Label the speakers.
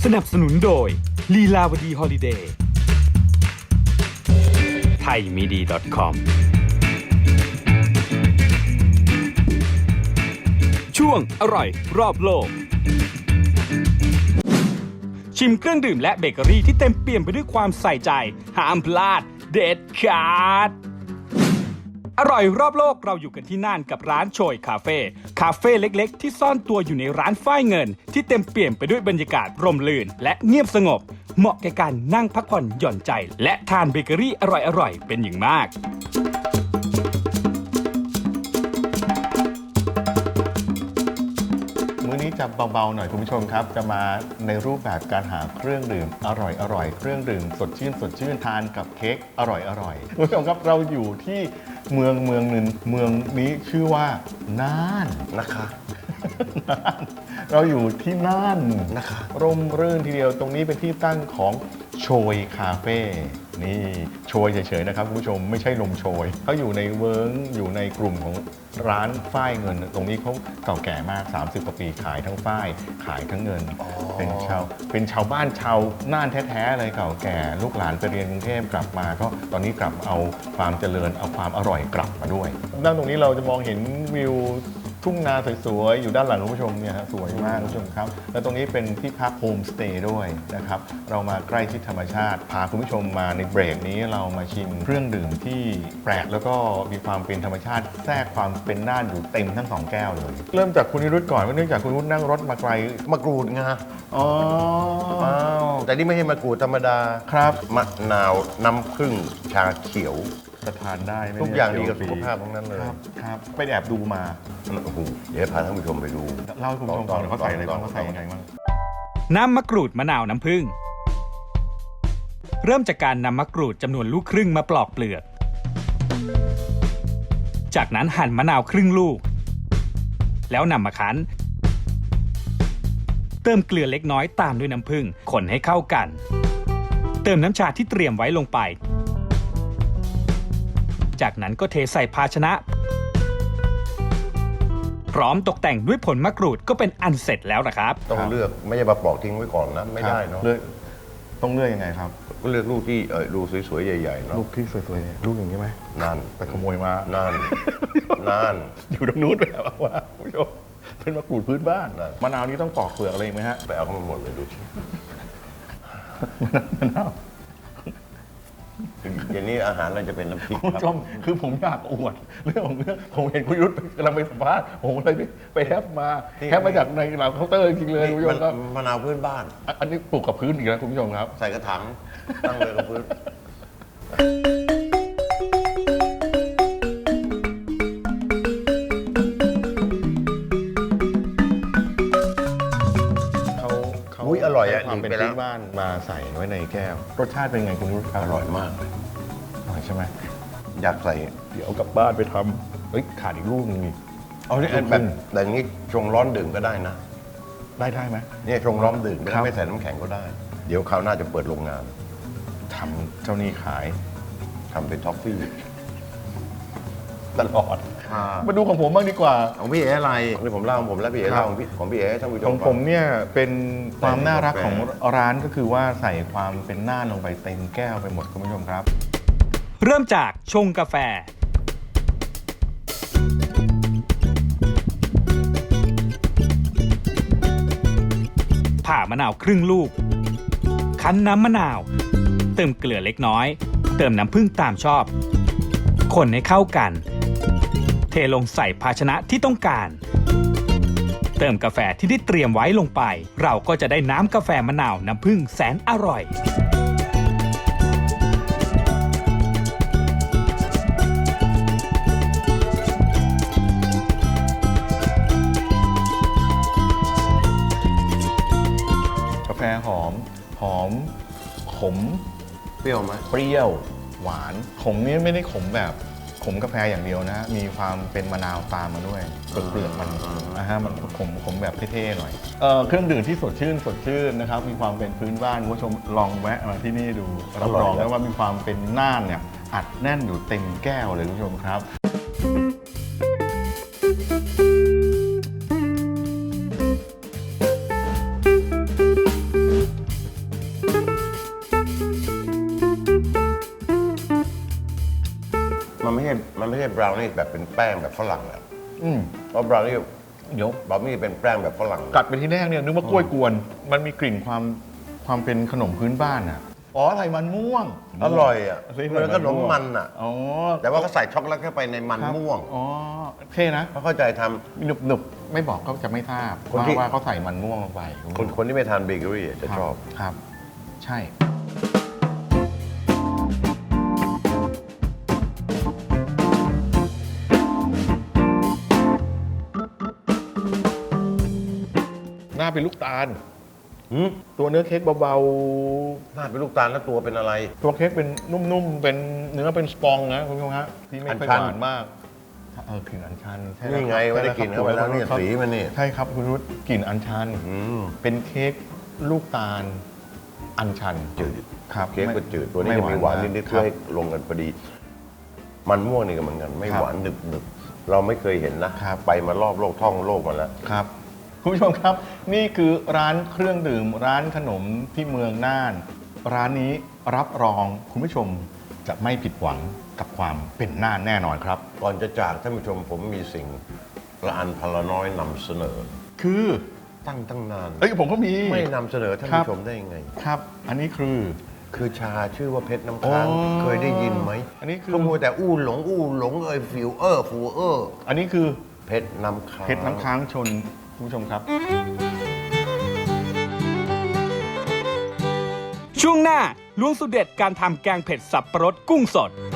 Speaker 1: นับสนุนโดยลีลาวดีฮอลิเดย์ไทยมีดี .com ช่วงอร่อยรอบโลกชิมเครื่องดื่มและเบเกอรี่ที่เต็มเปี่ยมไปด้วยความใส่ใจห้ามพลาดเด็ดขาดอร่อยรอบโลกเราอยู่กันที่น่านกับร้านโชยคาเฟ่เล็กๆที่ซ่อนตัวอยู่ในร้านฝ้ายเงินที่เต็มเปี่ยมไปด้วยบรรยากาศร่มรื่นและเงียบสงบเหมาะแก่การนั่งพักผ่อนหย่อนใจและทานเบเกอรี่อร่อยๆเป็นอย่างมาก
Speaker 2: มื้อนี้จะเบาๆหน่อยคุณผู้ชมครับจะมาในรูปแบบการหาเครื่องดื่มอร่อยเครื่องดื่มสดชื่นทานกับเค้กอร่อยคุณผู้ชมครับเราอยู่ที่เมืองหนึ่งเมืองนี้ชื่อว่าน่านนะคะเราอยู่ที่น่านนะคะร่มรื่นทีเดียวตรงนี้เป็นที่ตั้งของโชยคาเฟ่นี่โชยเฉยๆนะครับคุณผู้ชมไม่ใช่ลมโชยเขาอยู่ในเวิร์กอยู่ในกลุ่มของร้านฝ้ายเงินตรงนี้เขาเก่าแก่มาก30กว่าปีขายทั้งฝ้ายขายทั้งเงินเป็นชาวบ้านชาวน่านแท้ๆเลยเก่าแก่ลูกหลานไปเรียนกรุงเทพกลับมาก็ตอนนี้กลับเอาความเจริญเอาความอร่อยกลับมาด้วยด้านตรงนี้เราจะมองเห็นวิวทุ่งนาสวยๆอยู่ด้านหลังคุณผู้ชมเนี่ยฮะสวยมากคุณผู้ชมครับแล้วตรงนี้เป็นที่พักโฮมสเตย์ด้วยนะครับเรามาใกล้ชิดธรรมชาติพาคุณผู้ชมมาในเบรกนี้เรามาชิมเครื่องดื่มที่แปลกแล้วก็มีความเป็นธรรมชาติแทรกความเป็นน่านอยู่เต็มทั้ง2แก้วเลยเริ่มจากคุณนิรุตก่อนว่าเนื่องจากคุณนิรุตนั่งรถมาไกล
Speaker 3: มะกรูดไง
Speaker 2: อ๋อ
Speaker 3: แต่นี่ไม่ใช่มะกรูดธรรมดา
Speaker 2: ครับ
Speaker 3: มะนาวน้ำผึ้งชาเขียว
Speaker 2: จะทานได้ไหม
Speaker 3: ทุกอย่างดีกับสุขภาพทั้งนั้นเลย
Speaker 2: ครับไปแอบดูมา
Speaker 3: โอ้โหเดี๋ยวพาท่านผู้ชมไปดู
Speaker 2: เล่าให้คุณผู้ชมฟังหน่อยเขาใส่อะไรบ้างเขาใส่ยังไงบ้าง
Speaker 1: น้ำมะกรูดมะนาวน้ำผึ้งเริ่มจากการนำมะกรูดจำนวนลูกครึ่งมาปลอกเปลือกจากนั้นหั่นมะนาวครึ่งลูกแล้วนำมาคั้นเติมเกลือเล็กน้อยตามด้วยน้ำผึ้งคนให้เข้ากันเติมน้ำชาที่เตรียมไว้ลงไปจากนั้นก็เทใส่ภาชนะพร้อมตกแต่งด้วยผลมะกรูดก็เป็นอันเสร็จแล้วนะครับ
Speaker 3: ต้องเลือกไม่ใช่มาปลอกทิ้งไว้ก่อนนะไม่ได้เนาะ
Speaker 2: ต้องเลือกยังไงครับ
Speaker 3: ก็เลือกลูกที่ดูสวยๆใหญ่ๆเนาะ
Speaker 2: ลูกที่สวยๆลูกอย่างนี้ไหม
Speaker 3: นั่น
Speaker 2: ไปขโมยมา
Speaker 3: นั่น
Speaker 2: อยู่ตรงนู้นแบบว่าคุณผู้ชมเป็นมะกรูดพื้นบ้านมะนาวนี้ต้องปอกเปลือกอะไรไหมฮะ
Speaker 3: ไปเอาเข้ามาหมดเลยดูสิ
Speaker 2: มะนาว
Speaker 3: อย่างนี้อาหารเราจะเป็นน้ำพริก
Speaker 2: คุณ
Speaker 3: ค
Speaker 2: ผู้ช
Speaker 3: รับ
Speaker 2: มคือผมอยากอวดเรื่องของเรื่องผมเห็นคุณยุทธกำลังไปสัมภาษณ์ผมเลยไปแฮปมาจากในหลังเคาน์เตอร์จริงๆเลยคุณผู้ชมครับ
Speaker 3: มะนาวพื้นบ้าน
Speaker 2: อันนี้ปลูกกับพื้นอีกแล้วคุณผู้ชมครับ
Speaker 3: ใส่กระถางตั้งเลยกับพื้น อุ๊ยอร่อยอะ
Speaker 2: ความเป็น
Speaker 3: ไปแล้ว
Speaker 2: พื้นบ้านมาใส่ไว้ในแก้ว รสชาติเป็นไงคุณยุทธ
Speaker 3: อร่อยมากเลย
Speaker 2: อร่อยใช่ไหม
Speaker 3: อยากใส่
Speaker 2: เดี๋ยวเอากลับบ้านไปทำเฮ้ยขาดอีกลูกนึงนี่เอาเนี่ย
Speaker 3: แบบแต่อย่างนี้ชงร้อนดื่มก็ได้นะ
Speaker 2: ได้ไหม
Speaker 3: เนี่ยชงร้อนดื่มก็
Speaker 2: ครั
Speaker 3: ได้
Speaker 2: บ
Speaker 3: ไม่ใส่น้ำแข็งก็ได้ เดี๋ยวคราวหน้าจะเปิดโรงงาน
Speaker 2: ทำเจ้านี่ขาย
Speaker 3: ทำเป็นท็อฟฟี่
Speaker 2: ตลอด มาดูของผมบ้างดีกว่า
Speaker 3: ของพี่เอ๋อะไรนี่ผมเล่าของผมแล้วพี่เอ๋
Speaker 2: ครับ
Speaker 3: เล่าของพี่เอ๋ให้ท่านผู้ช
Speaker 2: ของ
Speaker 3: ม
Speaker 2: ผมเนี่ยเป็นความน่ารัก
Speaker 3: ใส่
Speaker 2: ของ
Speaker 3: กาแฟ
Speaker 2: ร้านก็คือว่าใส่ความเป็นน่านลงไปเต็มแก้วไปหมดคุณผู้ชมครับ
Speaker 1: เริ่มจากชงกาแฟผ่ามะนาวครึ่งลูกคั้นน้ำมะนาวเติมเกลือเล็กน้อยเติมน้ำผึ้งตามชอบคนให้เข้ากันเทลงใส่ภาชนะที่ต้องการเติมกาแฟที่ได้เตรียมไว้ลงไปเราก็จะได้น้ำกาแฟมะนาวน้ำผึ้งแสนอร่อย
Speaker 2: กาแฟหอมขม
Speaker 3: เปรี้ยวไหม
Speaker 2: เปรี้ยวหวานขมนี่ไม่ได้ขมแบบขมกาแฟอย่างเดียวนะ มีความเป็นมะนาวตามมาด้วยเปลือกมันนะฮะมันขมแบบเท่ๆหน่อยเครื่องดื่มที่สดชื่นนะครับมีความเป็นพื้นบ้านคุณผู้ชมลองแวะมาที่นี่ดูรับรองได้ว่ามีความเป็นน่านเนี่ยอัดแน่นอยู่เต็มแก้วเลยคุณผู้ชมครับ
Speaker 3: บราวนี่แบบเป็นแป้งแบบฝรั่งอะ
Speaker 2: อืม
Speaker 3: เพราะบราวนี่
Speaker 2: เดี๋ยว
Speaker 3: บราวนี่เป็นแป้งแบบฝรั่ง
Speaker 2: กัดไปที่แรกเนี่ยนึกว่ากล้วยกวน มันมีกลิ่นความเป็นขนมพื้นบ้านอ่ะอ๋อใส่มันม่วง
Speaker 3: อร่อยอ่ะ
Speaker 2: ใส่
Speaker 3: เหมือนขนมมันอ่ะ
Speaker 2: อ๋อ
Speaker 3: แต่ว่าเขาใส่ช็อกโกแลตเข้าไปในมัน
Speaker 2: ครับ
Speaker 3: ม่วง
Speaker 2: อ๋อเท่นะ
Speaker 3: เขาเข้าใจทำ
Speaker 2: หนึบไม่บอกก็จะไม่ทราบ
Speaker 3: คนที่
Speaker 2: ว่าเขาใส่มันม่วงลงไป
Speaker 3: คนที่ไม่ทานเบเกอรี่อะจะชอบ
Speaker 2: ครับ ใช่ หน้าเป็นลูกตาล
Speaker 3: หืม
Speaker 2: ตัวเนื้อเค้กเบา
Speaker 3: หน้าเป็นลูกตาลแล้วตัวเป็นอะไร
Speaker 2: ๆ ตัวเค้กเป็นนุ่มๆ เป็นเนื้อเป็นสปองนะคุณผู้ชมฮะที่ไม่ค่อย
Speaker 3: อัญชัน
Speaker 2: หวานมากกลิ่นอัญชันใช่แล้ว
Speaker 3: นี่ไง
Speaker 2: ครับ
Speaker 3: ไม่ได้กิน
Speaker 2: ใช่
Speaker 3: เข้าไปแล้วเนี่ย
Speaker 2: ครับ
Speaker 3: สีมันนี่
Speaker 2: ใช่ครับคุณรุตกลิ่นอัญชัน
Speaker 3: อืม
Speaker 2: เป็นเค้กลูกตาลอัญชัน
Speaker 3: จืด
Speaker 2: ครับ
Speaker 3: เค้กก็จืดตัวนี้จะมีหวานนิดๆ
Speaker 2: ค
Speaker 3: เพื่
Speaker 2: รั
Speaker 3: อบ ให้ลงกันพอดี มันม่วงนี่ก็เหมือนกัน ไม่
Speaker 2: ครับ
Speaker 3: หวานหนึบๆเราไม่เคยเห็นนะครับ ไปมารอบโลกท่องโลกมาแล้ว
Speaker 2: ครับคุณผู้ชมครับ นี่คือร้านเครื่องดื่มร้านขนมที่เมืองน่าน ร้านนี้รับรองคุณผู้ชมจะไม่ผิดหวังกับความเป็นน่านแน่นอนครับ
Speaker 3: ก่อนจะจากท่านผู้ชมผมมีสิ่งละอันพลน้อยนำเสนอ
Speaker 2: คือ
Speaker 3: ตั้งนาน
Speaker 2: เอ้ยผมก็มี
Speaker 3: ไม่นำเสนอท่าน
Speaker 2: ครับ
Speaker 3: ผู้ชมได้ยังไง
Speaker 2: ครับ อันนี้คือ
Speaker 3: คือชาชื่อว่าเพชรน้ำค้าง
Speaker 2: อ๋อ
Speaker 3: เคยได้ยินไหม
Speaker 2: อันนี้คือ
Speaker 3: ก็มัวแต่อู้หลงฟิวฟู
Speaker 2: อันนี้คือ
Speaker 3: เพชรน้ำค้าง
Speaker 2: เพชรน้ำค้างชนคุณผู้ชมครับ
Speaker 1: ช่วงหน้าล้วงสูตรเด็ดการทำแกงเผ็ดสับปะรดกุ้งสด